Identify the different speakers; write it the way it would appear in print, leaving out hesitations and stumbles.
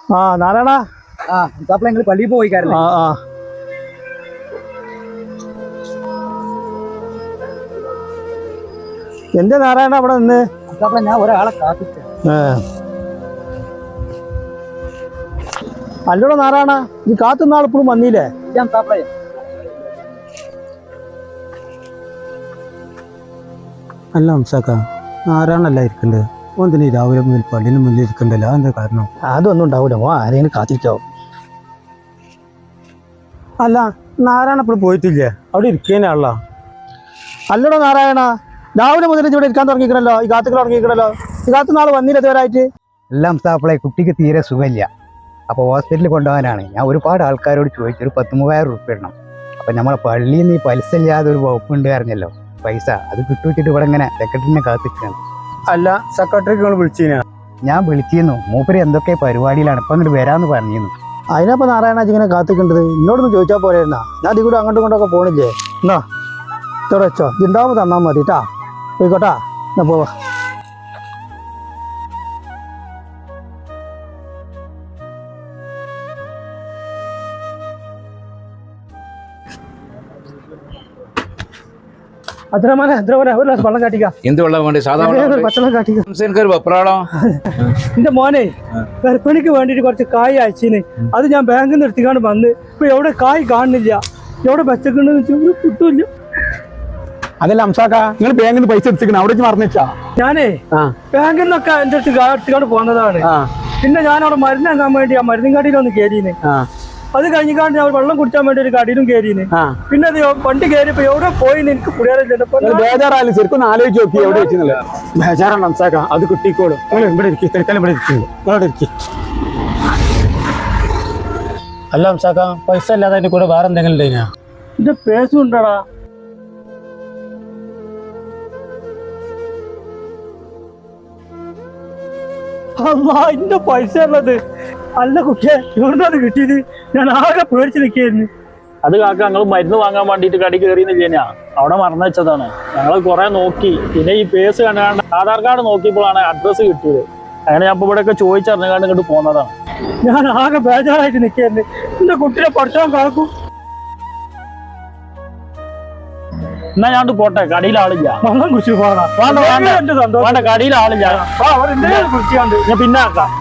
Speaker 1: ആ നാരായണ
Speaker 2: നിങ്ങൾ പള്ളിയിൽ പോയി കാര്യം
Speaker 1: എന്റെ നാരായണ അവിടെ നിന്ന്
Speaker 2: ഞാൻ ഒരാളെ കാത്തിട്ട
Speaker 1: അല്ലടോ നാരായണ ഈ കാത്തുന്ന ആളിപ്പോഴും വന്നില്ലേ? അല്ല ഹംസാക്ക നാരായണല്ല ഇരിക്കണ്ടേ ഓന്തിന് രാവിലെ മുതൽ പള്ളിന് മുന്നിൽ ഇരിക്കണ്ടല്ലോ എന്താ കാരണം? അതൊന്നും ഉണ്ടാവൂല ഓ ആരെങ്കിലും കാത്തിരിക്കാവും. അല്ല നാരായണ ഇപ്പോഴും പോയിട്ടില്ലേ? അവിടെ ഇരിക്കാനാണല്ലോ. അല്ലടോ നാരായണ രാവിലെ മുതൽ ഇവിടെ ഇരിക്കാൻ തുടങ്ങിക്കണല്ലോ, ഈ കാത്തുകൾ തുടങ്ങിക്കണല്ലോ. ഈ കാത്തു നാളെ വന്നില്ല ഇതുവരായിട്ട്.
Speaker 2: എല്ലാം ഹംസാപ്പിളെ കുട്ടിക്ക് തീരെ സുഖമില്ല. അപ്പോൾ ഹോസ്പിറ്റലിൽ കൊണ്ടുപോകാനാണ്. ഞാൻ ഒരുപാട് ആൾക്കാരോട് ചോദിച്ചു, ഒരു 10,000 റുപ്യ ഇടണം. അപ്പം നമ്മളെ പള്ളിയിൽ നിന്ന് ഈ പലിശ ഇല്ലാതെ ഒരു വകുപ്പുണ്ട് അറിഞ്ഞല്ലോ, പൈസ അത് കിട്ടുവെച്ചിട്ട് ഇവിടെ ഇങ്ങനെ സെക്രട്ടറിനെ കാത്തിരിക്കുകയാണ്.
Speaker 1: അല്ല സെക്രട്ടറിക്ക് നിങ്ങൾ വിളിച്ചിനാ?
Speaker 2: ഞാൻ വിളിച്ചിരുന്നു, മൂപ്പര് എന്തൊക്കെ പരിപാടിയിലാണ്, ഇപ്പം അങ്ങോട്ട് വരാമെന്ന് പറഞ്ഞിരുന്നു.
Speaker 1: അതിനപ്പോൾ നാരായണ ഇങ്ങനെ കാത്തിക്കേണ്ടത് എന്നോടൊന്ന് ചോദിച്ചാൽ പോരായിരുന്നാ? ഞാൻ അതിൽ കൂടെ അങ്ങോട്ടും ഇങ്ങോട്ടൊക്കെ പോണില്ലേ? എന്നാ ഇതോടെ വെച്ചോ, ഇതുണ്ടാവുമ്പോൾ തന്നാൽ മതി കേട്ടാ. പോയിക്കോട്ടാ, ഞാൻ പോവാ. വെള്ളം കാട്ടിക്ക.
Speaker 3: എന്ത് വെള്ളം വേണ്ടി?
Speaker 1: പച്ചവെള്ളം കാട്ടിക്ക.
Speaker 3: വെപ്രാളോ?
Speaker 1: എന്റെ മോനെ ഗർഭിണിക്ക് വേണ്ടിട്ട് കുറച്ച് കായ് അയച്ചിന്, അത് ഞാൻ ബാങ്കിൽ നിന്ന് എടുത്തിക്കാണ്ട് വന്ന് ഇപ്പൊ എവിടെ കായ് കാണുന്നില്ല, എവിടെ വെച്ചിട്ടുണ്ടെന്ന് കിട്ടൂല്ല.
Speaker 4: അതല്ല ഹംസാക്ക, നിങ്ങൾ ബാങ്കിൽ നിന്ന് പൈസ എടുത്തിക്കണം, അവിടെ മറന്നുവെച്ചാ?
Speaker 1: ഞാനേ ബാങ്കിൽ നിന്നൊക്കെ എന്റെ അടുത്ത് എടുത്തിക്കാണ്ട് പോകുന്നതാണ്. പിന്നെ ഞാൻ അവിടെ മരുന്ന് വാങ്ങാൻ വേണ്ടി ആ മരുന്നും കടയിലൊന്ന് കയറിന്. അത് കഴിഞ്ഞിക്കാണ്ട് ഞാൻ വെള്ളം കുടിച്ചാൻ വേണ്ടി ഒരു കടയിലും കയറിന്. പിന്നെ അത് വണ്ടി കയറിയപ്പോ എവിടെ പോയിന്ന് എനിക്ക്
Speaker 4: ബേജാറായാലും ശരിക്കും ആലോചിച്ച് നോക്കി എവിടെ വെച്ചില്ല. ബേജാറാണ് ഹംസാക്ക, അത് കിട്ടിക്കോളും. നിങ്ങൾ ഇവിടെ ഇരിക്കും, തിരക്കാലം ഇവിടെ ഇരിക്കുന്നു, ഇവിടെ ഇരിക്കും.
Speaker 1: അല്ല ഹംസാക്ക, പൈസ അല്ലാതെ അതിന്റെ കൂടെ വേറെ എന്തെങ്കിലും ഉണ്ടെന്നാ? എന്റെ പേസും ഉണ്ടടാ. എന്റെ പൈസ ഉള്ളത്. അല്ല കുട്ടിയെ, എവിടുന്നത് കിട്ടിയത്? ഞാൻ ആകെ പേടിച്ച് നിൽക്കായിരുന്നു.
Speaker 5: അത് കാക്ക, ഞങ്ങൾ മരുന്ന് വാങ്ങാൻ വേണ്ടിയിട്ട് കടി കയറിയെന്നില്ല, അവിടെ മറന്നു വെച്ചതാണ്. ഞങ്ങൾ കുറെ നോക്കി, പിന്നെ ഈ പേസ് കണ്ടാണ്ട് ആധാർ കാർഡ് നോക്കിയപ്പോഴാണ് അഡ്രസ്സ് കിട്ടിയത്. അങ്ങനെ ഞാൻ ഇവിടെയൊക്കെ ചോദിച്ചറിഞ്ഞാണ്ട് ഇങ്ങോട്ട് പോകുന്നതാണ്.
Speaker 1: ഞാൻ ആകെ ബേജാറായിട്ട് നിൽക്കായിരുന്നു. എന്റെ കുട്ടിയെ പഠിച്ചാൻ കാക്കും.
Speaker 5: എന്നാ ഞാൻ പോട്ടെ, കടയിൽ ആളില്ല.
Speaker 1: വെള്ളം കുടിച്ചു പോകണം.
Speaker 5: വേണ്ട, കടയിൽ ആളില്ല. ഞാൻ പിന്നെ ആക്കാം.